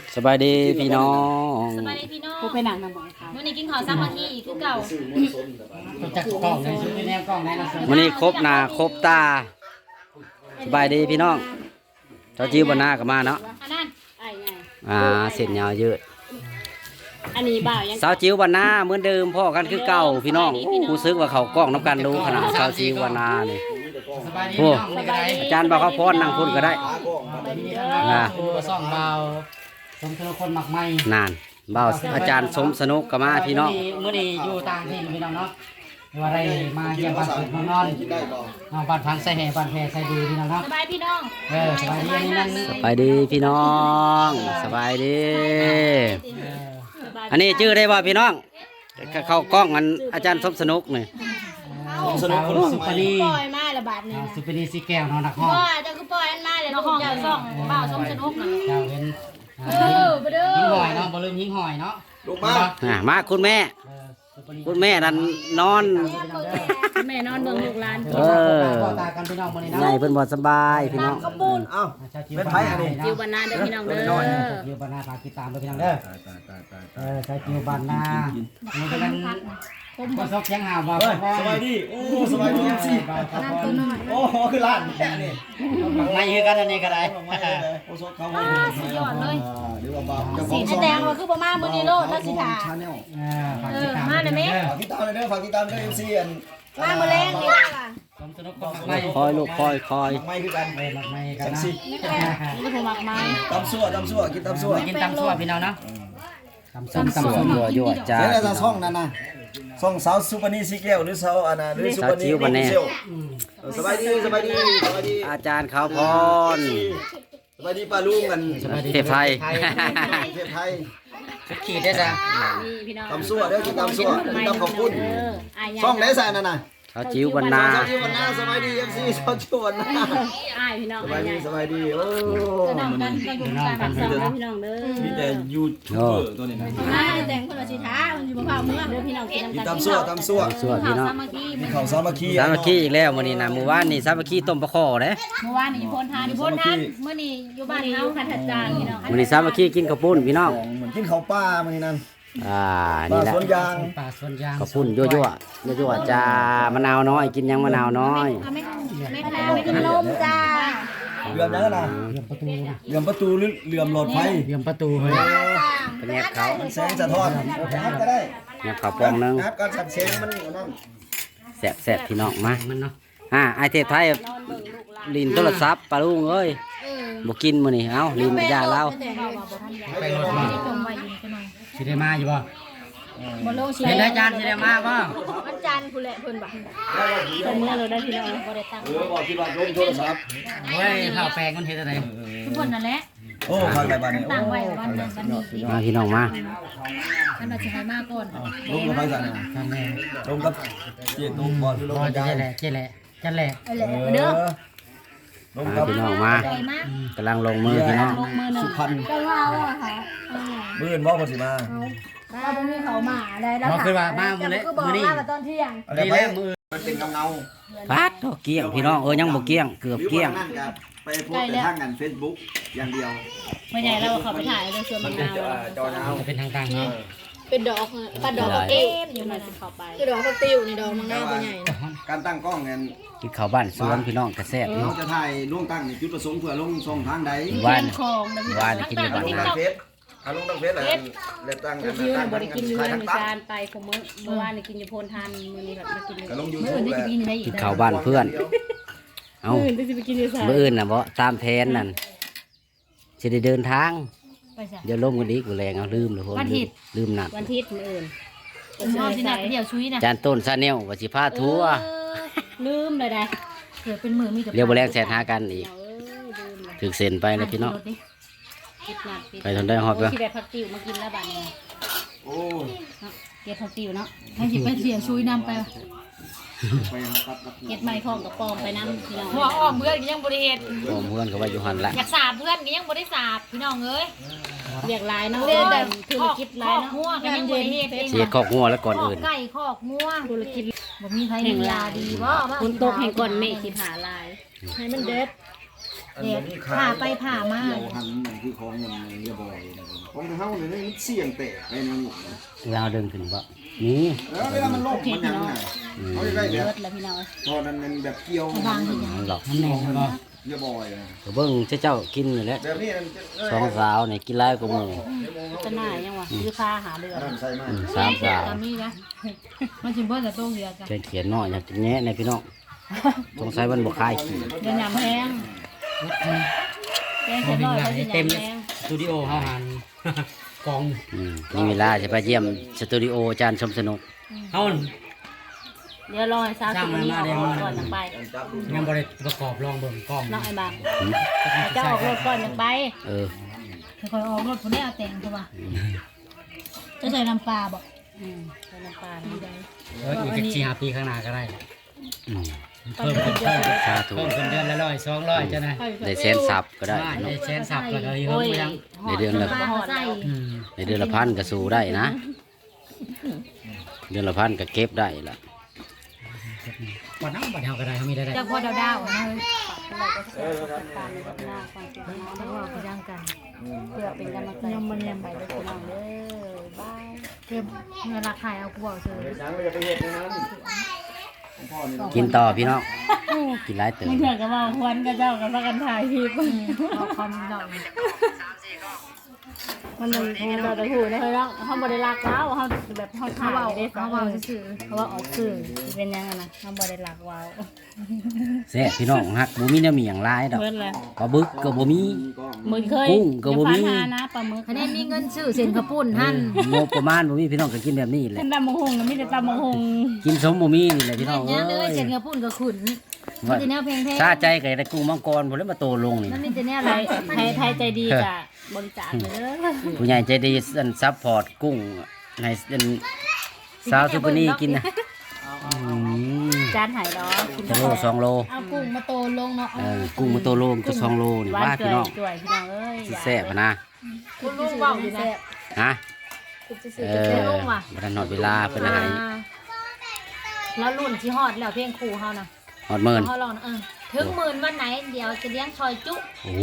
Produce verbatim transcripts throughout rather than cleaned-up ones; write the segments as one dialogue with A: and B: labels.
A: สบายดีพี่น้อง
B: สบายดีพี่น้อง
C: กูไปหนังนำบ่อยค่ะ
B: มื้อนี้กินข้าวซ้ำมาที่คือเก่า
C: ตัวจักกล้องเลยซื้อแนวกล้องไหนเราซื้อ
A: วันนี้ครบหน้าครบตาสบายดีพี่น้องเจ้าจิ้วบนหน้าก็มาเนาะ
B: อันนั้น
C: ไอ้ไง
A: อ่าเส้นยาวเยอะ
C: อันนี้บ่าวยัง
A: สาวจิ้วบนหน้าเหมือนเดิมพ่อกันคือเก่าพี่น้องรู้สึกว่าเขากล้องน้ำกันดูขนาดสาวจิ้วบนหน้านี่
C: สบายดี
A: โอ้
C: สบายดี
A: อาจารย์บอกเขาพรนั่งพุ่นก็ได้
C: อ่าคุณก็ซ่องเบาสมทุกคนมักไม่
A: นานเบาอาจารย์สมสนุกก็มาพี่น้อง
C: มื้อนี้อยู่ต่างที่พี่น้องเนาะว่าได้มาเยี่ยมบ้านสุดนอนนอนนอนบ้านพังใส่แห่บ้านแพรใส่ดีพี่น้องเนาะ
B: สบายพี่น้อง
C: เออสบายดีอันนี้นั่น
A: สบายดีพี่น้องสบายดี อันนี้ชื่อได้บ่พี่น้องเข้ากล้องอันอาจารย์สมสนุกนี่
C: สนุกสุปนี
B: ปล่อยมาละบาทนึง
C: สุปนีสีแก้วนอนนักห้อง
B: ว่าเจ้าคือปล่อยอันมาเลยน้องห้องเจ้าซ่องบ่าวส้มสนุกน่ะ
C: เจ้าเห็น
B: เออบ่เด้อ
C: ยิงหอยเนาะบ่ลืมยิงหอยเนาะ
D: ลูกมา
A: อ่ามาคุณแม่ คุณแม่นั่นนอน
B: แม่นอนเบิ่งลูกหลาน
A: เออ
C: ตากันพี่น้องมื้อนี้
A: ใหญ่
C: เนาะ
A: เพิ่นบ่สบายพี่น้อง
D: เอ้า เป็นไผอันนี้
B: อยู่บ้านนาเด้อพี่น้องเด้อ
C: จิวบานนาฝากติดตามด้วยพี่น้องเด้อเออใช้จิวบานนานี่ก็นั้นก็ซอกเสียงหาวมา
D: เฮ้ยสบายดี โอ้สบายดีสิโอ้คือร้านแค่นี้
C: ไม่คือกันอันนี้ก็ได้
D: ไม่เลยโอ้สดเขาไม่ได้สุดยอดเลยเดี๋ยวบ่าวจะข
B: สี
D: อง
B: แดงว่าคือบ่มามื้อนี้โลดถ้าสิถา
D: ชาแนล
C: เออฝากติดตามฝาก
D: ฝากติดตามเลยเด้อฝากติดตามเด้อ เอ็ม ซี อัน
B: มามื้อแรงนี่ล่ะ
C: สมสนุกคนไม่
A: คอยลูกคอยคอย
D: ไม่คือกัน
C: เออไม่กันนะ
B: นี่ก็ผมมักไม้
D: ตำซั่วตำซั่วกินตำซั่ว
C: กินตำซั่วพี่น้องเนาะตำส้ม
A: สว
C: ตำส้
A: ย
C: ม
A: ยั่วยั่วจ้า
D: เดี๋ยวจะซ่องนั่นน่ะซ่องสาวซุปนีสีแก้วหรือสาวอันน่ะหรือซุปนีเซลสบายดีสบายดีสบายดี
A: อาจารย์เขาพร
D: สบายดีป้าลุงกัน
A: เทพไทย
D: เทพไทย
C: ขีดได้จ้ะ
B: นี่พี่น้อง
D: ตำซั่วเด้อกินตำซั่วกินตำข้าวปุ้น
B: เอออ้าย
D: ซ่องไหนใส่นั่นน่ะ
A: เขาจิ้วบรรณา
D: สวัสดีวันหน้าสบายดีเอฟซีชาวชวนนะ
B: อ้ายพี่น้อง
D: สบายดีสบายดีโอ้
B: น้องกันก็อยู่กันแบบสองพี่น้องเด้อ
D: มีแต่ยูทูบเบอร์ตัวนี้นะ
B: อ้ายแต่งคนละสิท้ามันอยู่บ่พาเมื่อเด้อพี่น้องกิน
D: กิน
B: น้ำกัน
D: ตำซั่วตำซั่ว
A: สวดพี่น้อง
B: สามัคคี
D: มีข้าวสามัคคี
A: สามัคคีอีกแล้วมื้อนี้นะมื้อวานนี่สามัคคีต้มปลาข้อเด้
B: เมื่อวานนี่อยู่พลทานอยู่พลทานเมื่อนี้อยู่บ้านเฮาคันทัดจานพี่น้อง
A: มื้อนี้สามัคคีกินข้าวปุ้นพี่น้อง
D: เหมือนกินข้าวป้ามื้อนี้นั่น
A: อ่า
D: ป้า
A: นี่แหละ
D: สวนยาง
C: ป่าสวนยาง
A: ข้าวปุ้นยั่วยั่วยั่วยั่วจ้ามะนาวน้อยกินยังมะนาวน้อย
B: ไม่ไม่แพ้ไม่กินลมจ้า
D: เหลื่อมนั่นน่ะ
C: เหลี่ยมประตูนะ
D: เหลื่อมประตูหรือเหลื่อมหลอดไฟ
C: เหลี่ยมประตูเฮ้ย
A: เป็นแงบเขา
D: มันแสงสะท้อนงัดก็ได้
A: แงบเขาวปองหนึง
D: งัดก็สัดแสงมันนั่น
A: แซ่บแซ่บพี่น้องมา
C: มันเนาะ
A: อ่าไอเทพไทยลินโทรศัพท์ปลาลุงเอ้ยบ่กินมื้อนี้เอ้าลินยาเรา
C: ไปรถมา
B: จงไว้อยู่จังหน่อย
C: สิได้มาอยู่บ่
B: บ่ลงสิ
C: เห็นอาจารย์สิได้มาบ่
B: วันจันทร์พุ่นแหละเพิ่นบ่เพิ่นเมื่อเราได้พี่น้องบ่ได้ตั้ง
D: เออบอกคิดว่าลงโทรศัพท์
C: โอ้ยข้าวแปลงมันเฮ็ดอะไร
B: ทุกคนนั่นแหละ
D: โอ้ฟังไปบ้านนี้
B: ตั้งไว้วันนึงวันนี้พี่
A: มาพี่น้องมา
B: ท่านว่าสิให้มาก่อน
D: ลงกับไฟสั่น
C: ทำแม่
D: ลงกับเจี๊ยตุ้มบอลลง
C: บ่
D: กับ
C: จะ
D: ยาย
C: แหละเจ๊แหละจันแหละ
B: เอาแหละเด้อ
D: ลง
A: มา
D: กับ
A: พี่น้องมา
B: ใจมาก
A: กำลังลงมือพี่น้อง
B: ลงมือหนึ่
D: สุ
B: ง
D: พรรณ
B: ก็ว่าอ่ะค่ะ
D: มื่ออื่นบอกว่าสิมา
B: เราบ่มีเขามาได้แล้ว
C: บ่คือว่ามามื้อนี้
B: ก็บอก
C: มื้อนี้
B: มาตอนเที่ยง
D: อะไร
C: นี่
D: ไป
C: แหละมื้อ
D: มันเป็นเงาเงา
A: ปัดโตเกี้ยงพี่น้องเออยังบ่เกี้ยงเกือบเกี้ยง
D: นั่นกับไปโพสต์แต่ทางงานเฟซบุ๊กอย่างเดียว
B: ไม่ใช่เราเขาไปถ่ายเรื่องเสื้อมัน
D: เป็น
B: นาว
D: จอเงา
C: จะเป็นทางการเนาะ
B: เป็นดอกปลาดอกเอ็มอยู่หน่อยสิเข้าไปคือดอกผักติ้วนี่ดอกมังนาวตัวใหญ่นะ
D: การตั้งกล้องเนี่ย
A: กินข้าวบ้านสวนพี่น้องกระแซ่บ
D: เรา
A: เนาะ
D: จะถ่ายล่วงตั้งจุดประสงค์เพื่อลงช่องทางใด
A: ว่าน
B: คลองนะพี่
A: ว่านกินอยู่
D: ล
A: บ้าน
D: ง
A: นา
D: ทางเฟซเอาลงทางเฟซอะไรแล้วตั้งกัน
B: คิว
D: ตั้ง
B: บริกินอยู่
D: ถ่าย
B: ใน
D: ทาง
B: มือ
D: ตั้ง
B: จานไปของมื้อเมื่อวานนี่กินอยู่โพนทานมื้อนี้แบบมากินอยู่
D: ก็ลงยู
B: มื้อ
D: ทู
B: อื่
D: บ
B: นได้
D: แหละ
B: กินได้อีก
A: กินข้าวบ้านเพื่อนเอ้า
B: มื้ออื่นได้สิไปกินอยู่ซะ
A: มื้ออื่นน่ะบ่ตามแผนนั่นสิได้เดินทาง
B: ไปซะ
A: เดี๋ยวลมกันอีกกูแรงเอาลืมเลยพน
B: วันอาทิตย์
A: ลืมนัด
B: วันอาทิตย์มื้ออื่นผมเอาสิน่ะเดี๋ยวชุยนะ
A: จานต้นซาแนลว่าสิพาทัวร์
B: ลืมเลยได้เกิดเป็นมือมีแต่
A: เรียวบ่แรงแสนหากันอีก
B: เออลืมเลย
A: ถึกเซ็นไปแล้วพี่น้อง
B: คิดหนักคิด
A: ไปทนได้ฮอดปะ
B: ที่แบบผักติ๋วมากินแล้วบัดนี้
D: โอ้ย
B: เนาะเก็บผักติ๋วเนาะให้สิไปเสียชุยนำไป
D: ไปหาครับครับ
B: เก็บไม้พร้อมกับปอมไปนำพี่น้อง
E: หัวอ้อมเพื่อนก็ยังบริเหตุ
A: พร้อมเพื่อนก็ว่าอยู่หันละ
E: อยากสาบเพื่อนก็ยังบริสาบพี่น้องเอ้ย
B: เรียกหลายเนาะเรียกแต่ธุรกิจหลาย
E: คอกงัว
B: เนาะ
E: ก็ยังบริเหตุเอง
A: เสียคอกงัวแล้วก่อน
E: คอก
A: อื่น
E: ไก่คอกงัว
B: ธุรกิจ
E: บ่มีใครมียาดีบ่
B: คนตกแห่งก่อนเมฆสิหาลาย ให้มันเด็ด
D: อัน
B: เด็
D: นี้
B: ก
D: ขาย
B: ผ่าไปผ่ามา
D: เกี่ยวหันมันคือของเงินเรียบร้อยนะครับของเฮาเนี่ยมันเสี่ยงแตกไปนั่นนี่
A: เวลาเดินขึ้นบ่นี่
D: แล้วเวลามันลงมันยังไงเขาจะได้แบบ
B: เบิดแล้วพี่น้อง
D: ตอนนั้นมันแบบเกี่ยว
B: บางที
A: มันหรอก
C: มันแน่นบ่
D: เรียบร้อยนะ
A: ก็เบิ่งเจ้ากินนี่แหละ
D: แบบนี้มัน
A: สองสาวนี่กินหลายกว่าหมู่
B: จะหน้ายังวะยื้อผ้าหาเดือด
D: นั่นใส่มา
A: อืมสามสาว
E: ตามนี้นะมันสิเบิ่นแต่โตเหียจ้ะ
A: เขียนเขียนน้อยอยากจะแงะในพี่น้องสงสัยมันบ่คายขี้
E: เดี๋ยวยำแห้งแกง
C: บ่
E: เสร็จ
C: มี
E: ร้อย
C: หลา
E: เขา
C: ย
E: สิ
C: เต็ม
E: ยำแห้ง
C: สตูดิโอเฮาหัน กอง
A: อืมมีเวลาจะไปเยี่ยมสตูดิโออาจารย์ชมสนุก
C: เฮา
B: เดี๋ยวรอให้สาวสุนี้ออกก่อนยังไป
C: ยังบ่ได้ประกอบลองเบิ่งกล้อง
B: น้องไอ้บางเจ้าออกรถก่อนยังไป
A: เออ
E: ค่อยๆออกรถพุ่นได้เอาแต่งเข้ามาจะใส่น้ำปลาบ่
B: อืมใส่น้ำปลาดีได้
C: เอออีกสักสี่ห้าปีข้างหน้าก็ได้
A: อืม
C: เพิ่มขึ้นเพิ่ม
A: สาธุ
C: เพิ่มขึ้นเดือนละร้อยสองร้อยจ้ะนะ
A: ได้แสนซับก็ได้
C: ได้
A: เนาะ
C: แสนสับแล้วก็อีก
B: โอ้
C: เพิ่ม
B: ย
C: ไปยัง
A: ในเดือนละ
B: ปลาใส่
C: อืม
A: ในเดือนละพันก็สู้ได้นะ เดือนละพันก็เก็บได้ละ
C: วันนั้นบัดเฮาก็ได้เฮามีได้ได้
E: จากพอดาวๆนะ
B: เราก็จะตามในหน้าความคิดน้อง
E: เดี๋ยวว่าไปย่างกัน
B: เพื่อเป็นกำลังใจยังมันยังไปด้วยพี่น้องเด้อบาย
E: เก็บเงินราคายเอากูบอกเฉย
D: ยังไม่จะไปเห็ดในนั้นพ่อนี่
A: กินต่อพี่น้องกินหลายเติม
E: มึงเถื่อนกับว่าควันกับเจ้ากับพักกันถ่ายคลิปเอาคอมดอก
B: มันเลยมันเราจะหูนะเฮ้ยแล้วเขาบริลักแล้วเขาแบบเขา
E: เขา
B: ถ่าย
E: เบา
B: ได้
E: เขาเบาซื่อ
B: เขาว่าออกสื่อเป็นยังไงนะเขาบริลักว้าว
A: แซ่บพี่น้องฮักบ่มีแนวมีหยังหลายดอก
B: เพิ่นเลย
A: ปลาบึกก็บ่มี
B: มึงเคย
A: กุ้งก็บ่มี
B: อย่าฟันหานะปลาหมึก
E: คะแนนมีเงินซื้อเส้นข้าวปุ้นหั่น
A: งบประมาณบ่มีพี่น้องก็กินแบบนี้แหละ
B: เป็นตำมะฮงนะไม่ได้ตำมะฮง
A: กินสมบ่มีนี่แหละพี่น้อง
E: เนี้ยเล
A: เอ้
E: ย
A: ย
E: เส้นข้าวปุ้นก็ขุนมี
A: ว่า
E: แต่แนวเพลง
A: ซาใจก็ได้กุ้งมังกรพุ่นแล้วมาโตลงนี่
E: ๆมันมีแต่แนว
B: ไท
E: อะไร
B: ยไทยไทยใจดีจ้ะบริจาคเลยเด้อ
A: ผู้ใหญ่ใจดีอันซัพพอร์ตกุ้งให้อันสาวซุปเปอร์นี่กินนะอืม
B: จานหายดอก
A: จะโลสองโล
E: เอากุ้งมาโตลงเนาะ
A: เออกุ้งมาโตโลมก็สองโลนี่
B: หวาน
A: ว่า
B: เกลื
A: พี่
B: อ
A: น้อง
B: จ่วยพี่น้องเอ้ย
A: สิแซ่บอะนะ
E: คุณลุงเว้าอยู่นะ
A: ฮะ
E: ซื้อ
A: เอ
E: จะ
A: อ
E: ลุงว่ะ
A: บ่ทันหอดเวลาเพิ่นให้
E: แล้วรุ่นที่ฮอดแล้วเพลงครูเฮานะ
A: หอดหมื่น
E: เฮาลองนะเออถึงหมื่นวันไหนเดี๋ยวจะเลี้ยงชอยจุ
A: โอ้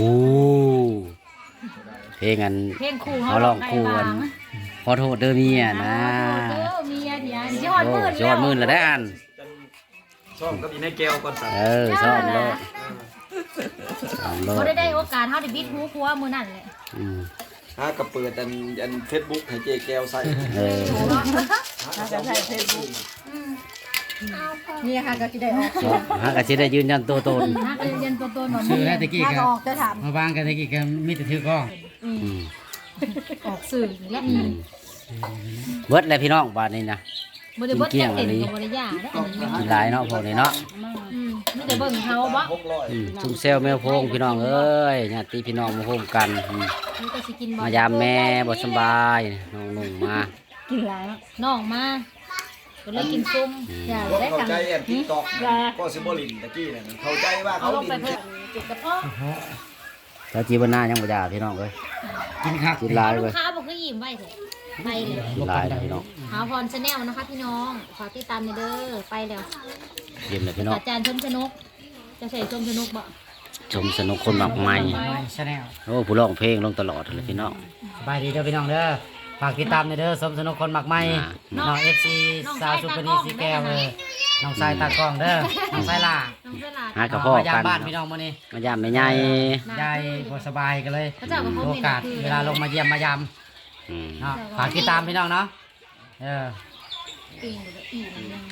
A: เพลงอัน
E: เพลงครูเฮา
A: เขาลองคู่กัน ขอโทษเด้อเมียนะ
E: เด้อเมียเดี๋ยวสิฮอด
A: โอ้
E: หมื่น
A: ยอดหมื่นแล้วได้อัน
D: ชอบก็มีในแก้วก่อนสั่ง
A: เออซ่อมโลดซ่อมโล
E: บ่
A: ด
E: ได้ได้โอกาสเฮาได้บิดหูครัวมื้อนั้นแหละ
A: อืม
D: ฮะกับเปิดอันอันเฟซบุ๊กให้เจ๊แก้วใส่
A: เออ
B: น่าจะใส่เฟซบุ๊ก
E: นี่ค่ะก็สิได้ออก
A: ฮะก็สิได้ยืนยันตัวตน
E: ฮะก็เรียนตัวตนว่า
C: ชื่อแล้วตะกี้
E: ถ้า
C: ก็
E: ก็ออกจะถาม
C: มาวางกันตะกี้ก็มีแต่ถือกล้อง
A: อืม
E: ออกสื่อนี่แหละ
A: อืมเบิดแล้วพี่น้องบาดนี้นะ
E: บ่ได้เบิด
A: เกลี้ยง
E: เต็ม
A: อันนี้
E: ก็บ่ได้ยาได้อันนี้
A: กินหลายเนาะพวกนี้เนาะ
E: อืมมีแต่เบิ่งเขาบ่
D: หกร้อย
A: อืมชุ่มเซลแมวโพงพี่น้องเอ้ยญาติพี่น้องมาโฮมกันอืม
E: มันก็สิกินบ่
A: มายามแม่บ่สำบายน้องนุ่งมา
B: กินหลาย
E: น้องมาก็เลยกินซุ่มอย่า
D: บ่
E: ได้
D: เข้า
E: ทำ
D: ใจแอนติ๊กต็อกก็สิบ่ลินตะกี้นั่นเข้าใจว่า
E: เอา
D: เขา
E: ลงไป
D: ลิน
E: เพิ่นจุดกระเพาะ
A: แล้วจีบหน้ายังบ่ยาพี่น้องเอ้ย
C: กินคัก
A: กินหลาย
E: ลู
A: เว้
E: ก
A: ย
E: ค้าบอกคือยิ้มไว้เถอะไปเลย
A: กินหลายนะพี่น้อง
E: หาพรชาแนลนะคะพี่น้องขอติดตามหน่อยเด้อไปแล้ว
A: เย็นเลยพี่น้อง
E: อาจารย์ชมชนกจะใส่ชมชนกบ่
A: ชมสนุกคนมากมาย
C: ไม่ชาแนล
A: โอ้ผู้ร้องเพลงลงตลอดเลยพี่น้อง
C: สบายดีเด้อพี่น้องเด้อฝากติดตามในอยเด้อสมสนุกคนหมักไหม
A: อ่า
C: น้อง เอฟ ซี สาวซุปเปอร์นีสีแก้วเลยน้องสายตากล้องเด้อน้องสายล่า
E: น้องเสลาด
A: หากระเพาะ
C: มายา
A: กั
C: ม
A: น
C: บ้านพี่น้องมื้อนี้
A: มายามไม่ใหญ่
C: ยายบ่สบายกันเลย
E: พระเจ้ากับพ
C: โอกาสเวลาลงมาเยี่ยมมายาม
A: อืม
C: เนาะฝากติดตามพี่น้องเนาะเออ
E: ปีนหรืออีมันยัง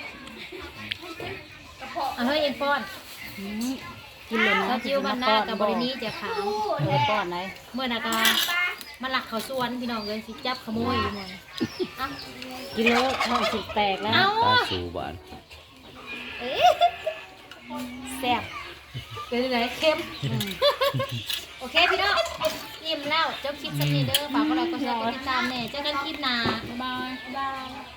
E: เอาเฮ้ยเอ็นป้อน
B: กินเลย
E: ถ้าจิ้วมันหน้ากับบรินี้จะขาว
B: เปิดป้อนไหน
E: เมื่อนากามาหลักเขาสวนพี่น้องเลยสิจับขโมยอยู่หมดเอ้า
B: กินแล้วท้องสิแตกแล้ว
E: เอ้า
A: ตาสู่บ้าน
E: แซ่บเป็นไงเค็มโอเคพี่น้องอิ่มแล้วเจ้าคลิปสักนิดเด้อฝากกดไลค์กดแชร์กดติดตามแน่เจอกันคลิปหน้าบ๊ายบายบ๊ายบาย